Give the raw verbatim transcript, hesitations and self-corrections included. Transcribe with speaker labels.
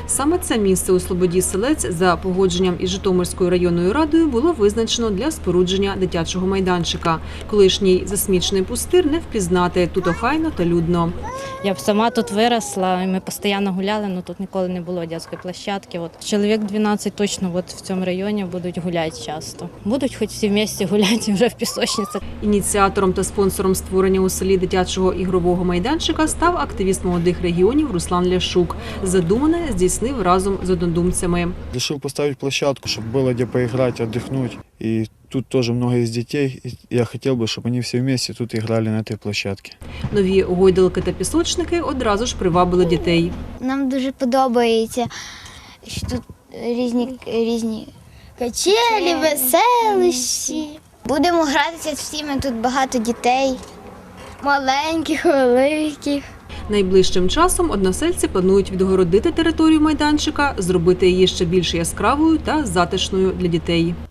Speaker 1: Саме це місце у Слободі Селець за погодженням із Житомирською районною радою було визначено для спорудження дитячого майданчика. Колишній засмічений пустир не впізнати, тут охайно та людно.
Speaker 2: Я б сама тут виросла, і ми постійно гуляли, але тут ніколи не було дитячої площадки. От чоловік дванадцять точно от в цьому районі будуть гуляти часто. Будуть хоч всі вместе гуляти вже в пісочниці.
Speaker 1: Ініціатором та спонсором створення у селі дитячого ігрового майданчика став активіст молодих регіонів Руслан Ляшук. Задумане здійснив разом з однодумцями.
Speaker 3: Решил поставить площадку, чтобы было где поиграть, отдохнуть. И тут тоже много из детей. И я хотел бы, чтобы они все вместе тут играли на этой площадке.
Speaker 1: Нові гойдалки та пісочники одразу ж привабили дітей.
Speaker 4: Нам дуже подобається, що тут різні, різні качелі, веселищі. Будемо гратися всіми, тут багато дітей, маленьких, великих.
Speaker 1: Найближчим часом односельці планують відгородити територію майданчика, зробити її ще більш яскравою та затишною для дітей.